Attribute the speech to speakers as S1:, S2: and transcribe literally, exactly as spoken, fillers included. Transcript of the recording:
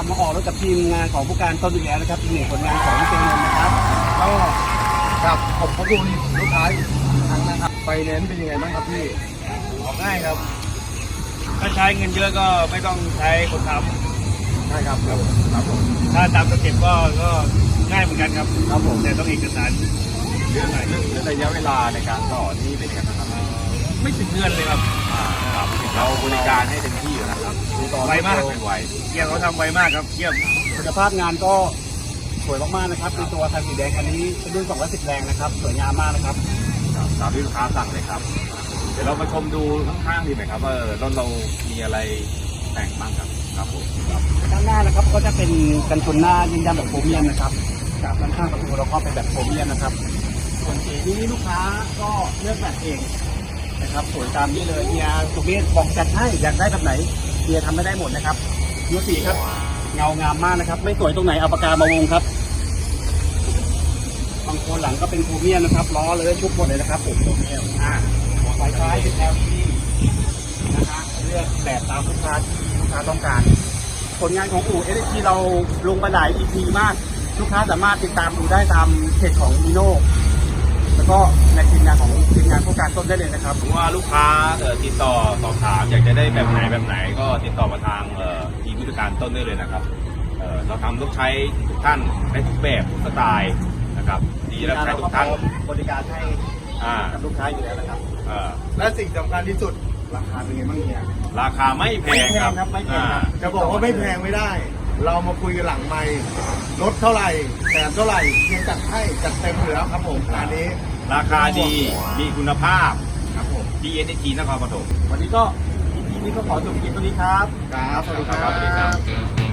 S1: บมาออกรถกับทีมงานของผู้การต้นอีกแล้วนะครับอีกหนึ่งผลงานของเจนนท์นะครับก็
S2: ครับขอบคุณลูกค้าอีกครั้งนะครับไฟแนนซ์เป็นยังไงบ้างครับพี่
S3: ออกง่ายครับ ถ้าใช้เงินเยอะก็ไม่ต้องใช้คนท
S2: ใช่ครับครับครับผม
S3: ำถ้าตามสเต็ปก็ก็ง่ายเหมือนกันครับ
S2: ครับผม
S3: แต่ต้องเอกสารเยอะหน่อย
S2: เรื่องระยะเวลาในการต่อนี่เป็นยังไงบ้างครับ
S3: ไม่ถึงเดือนเลยครับ
S2: อ่าครับเราบริการให้เต็มที่อยู่นะครับต่อ
S3: ไวมาก
S2: เป็นไว
S3: เกี่ยมเขาทำไวมากครับเยี่ยม
S1: คุณภาพงานก็สวยมากๆนะครับในตัวคันสีแดงคันนี้เป็นรุ่นสองร้อยสิบแรงนะครับสวยงามมากนะครับ
S2: ครับตามที่ลูกค้าสั่งเลยครับ เดี๋ยวเรามาชมดูข้างๆดีไหมครับว่ารถเรามีอะไรแต่งบ้างครับครับผมครับ
S1: ด้านหน้านะครับก็จะเป็นกันชนหน้ายืนยันแบบโครเมียมนะครับจากด้านข้างประตูเราก็เป็นแบบโครเมียมนะครับส่วนสีนี้ลูกค้าก็เลือกแบบเองนะครับสวยตามนี้เลยเฮียสุเมธบอกจัดให้อยากได้แบบไหนเฮียทำไม่ได้หมดนะครับดูสีครับเงางามมากนะครับไม่สวยตรงไหนเอาปากกามาวงครับบางคนหลังก็เป็นโครเมียมนะครับล้อเลยชุบหมดเลยนะครับผมโครเมียมอ่าไฟท้ายเป็น แอล อี ดี นะคะเลือกแบบตามลูกค้าที่ลูกค้าต้องการผลงานของอู่ เอส ที เราลงไปหลาย อี พี มากลูกค้าสามารถติดตามดูได้ตามเพจของมิโน่แล้วก็ในทีมงานของทีมงานผู้การต้นได้เลยนะครับ
S2: ผมว่าลูกค้าเอ่อติดต่อสอบถามอยากจะได้แบบไหนแบบไหนก็ติดต่อมาทางเอ่อทีมผู้จัดการต้นได้เลยนะครับเอ่อเราทำลูกใช้ทุกท่านได้ทุกแบบทุกสไตล์นะครับดีรับใช้ทุกท่าน
S1: บริการให้
S2: อ่า
S1: กับลูกค้าอยู่แล้วนะครับ
S2: เอ่อ
S4: และสิ่งสำคัญที่สุดราคาเป็นไงบ้างเนี่ย
S2: ราคาไม่แพงครับ
S1: ไม่แพงครับไม่แพงครับ
S2: อ่า
S4: จะบอกว่าไม่แพงไม่ได้ เรามาคุยกันหลังไมค์ลดเท่าไหร่แถมเท่าไหร่เพียงจัดให้จัดเต็มอยู่แล้วครับผมงานนี้
S2: ราคาดีมีคุณภาพ
S4: ครับผม
S2: ดี เอส ที นครปฐม
S1: วันนี้ก็อีพีนี้ก็ขอจบคลิปตรงนี้ครับ
S4: ครับสวัสดีค
S2: ครั
S4: รับ
S2: สวัสดีครับ
S4: บ